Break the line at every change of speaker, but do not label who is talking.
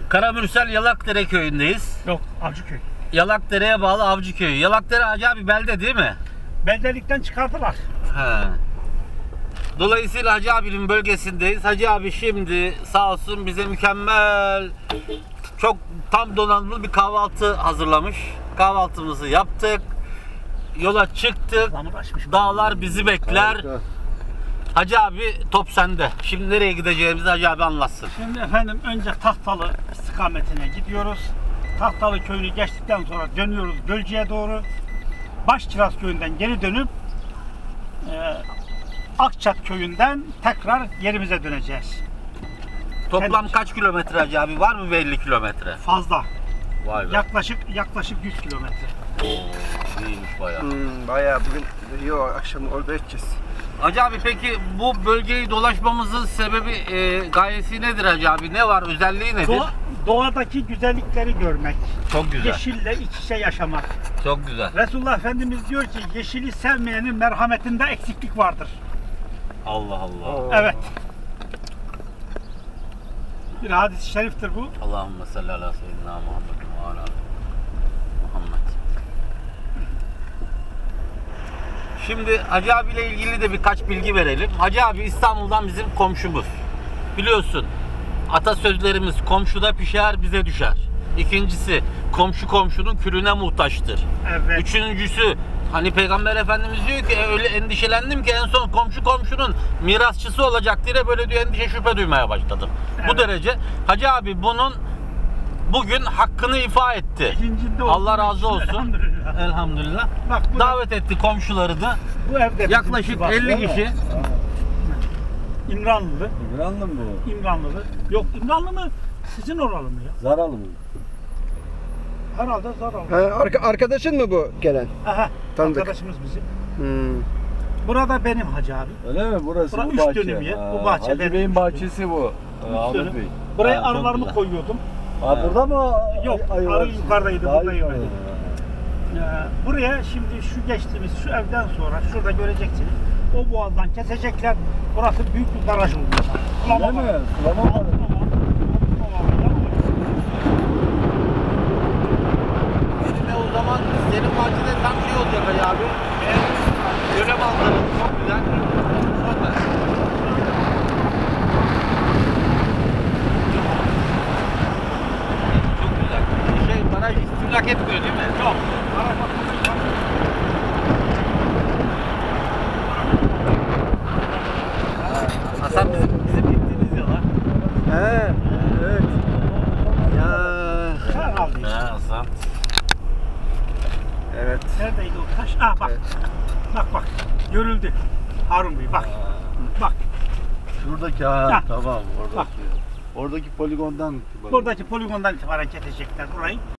Karamürsel Yalakdere köyündeyiz.
Yok, Avcıköy.
Yalakdere'ye bağlı Avcıköy. Yalakdere Hacı abi belde değil mi?
Beldelikten çıkardılar.
He. Dolayısıyla Hacı abinin bölgesindeyiz. Hacı abi şimdi sağ olsun bize mükemmel, çok tam donanımlı bir kahvaltı hazırlamış. Kahvaltımızı yaptık. Yola çıktık. Dağlar bizi bekler.
Harika.
Hacı abi top sende. Şimdi nereye gideceğimizi Hacı abi anlatsın.
Şimdi efendim önce Tahtalı istikametine gidiyoruz. Tahtalı köyünü geçtikten sonra dönüyoruz Gölcük'e doğru. Başkiraz köyünden geri dönüp Akçat köyünden tekrar yerimize döneceğiz.
Toplam kaç kilometre Hacı abi? Var mı 50 kilometre?
Fazla.
Vay be.
Yaklaşık 100 kilometre.
Oo, iyiymiş bayağı.
Bayağı bugün yok, akşam orada edeceğiz.
Hacı abi peki bu bölgeyi dolaşmamızın sebebi, gayesi nedir Hacı abi? Ne var? Özelliği nedir?
Doğadaki güzellikleri görmek.
Çok güzel.
Yeşille iç içe yaşamak.
Çok güzel.
Resulullah Efendimiz diyor ki yeşili sevmeyenin merhametinde eksiklik vardır.
Allah Allah.
Evet. Bir hadis-i şeriftir bu.
Allahümme salli ala seyyidina Muhammed ve ala Muhammed. Şimdi Hacı abiyle ilgili de birkaç bilgi verelim. Hacı abi İstanbul'dan bizim komşumuz. Biliyorsun atasözlerimiz komşuda pişer bize düşer. İkincisi komşu komşunun külüne muhtaçtır.
Evet.
Üçüncüsü hani Peygamber Efendimiz diyor ki öyle endişelendim ki en son komşu komşunun mirasçısı olacak diye böyle diyor endişe şüphe duymaya başladım. Evet. Bu derece. Hacı abi bunun bugün hakkını ifa etti. Allah razı olsun. Elhamdülillah. Elhamdülillah. Bak, davet etti komşuları da.
Bu evde
yaklaşık 50 kişi.
İmranlılı.
İmranlı mı bu?
İmranlılı. Yok İmranlı mı? Sizin oralı mı ya?
Zaralı mı?
Herhalde Zaralı.
Arkadaşın mı bu gelen?
Aha.
Tanıdık.
Arkadaşımız bizim.
Hmm.
Burada benim Hacı abi.
Öyle mi? Burası
Bura
bu
üç
bahçe.
dönüm ya, bu bahçe
Hacı
benim.
Bey'in bahçesi bu. Ahmet Bey.
Buraya
Ha, çok
arılarımı
güzel.
koyuyordum.
Burada mı?
Yok,
ayı
arı
var?
yukarıdaydı,
Daha
burada
iyi.
yok. Buraya şimdi şu geçtiğimiz şu evden sonra şurada göreceksiniz. O boğazdan kesecekler. Burası büyük bir baraj olacak.
Öyle mi? Sulama var.
Benim o zaman senin bahçede tam şey olacak Hacı abi. Göle manzarası çok güzel. Süper. Çok güzel. Baraj istimlak etmiyor değil mi?
Yok.
Hasan bizim gittiğimiz yola.
He, evet. Ya.
Herhalde.
He Hasan.
Evet.
Neredeydi o taş? Ah bak.
Evet.
Bak. Görüldü. Harun Bey bak. Bak.
Şuradaki
Ha.
tamam
Bak.
oradaki. Oradaki poligondan.
Buradaki poligondan itibaren kesecekler burayı.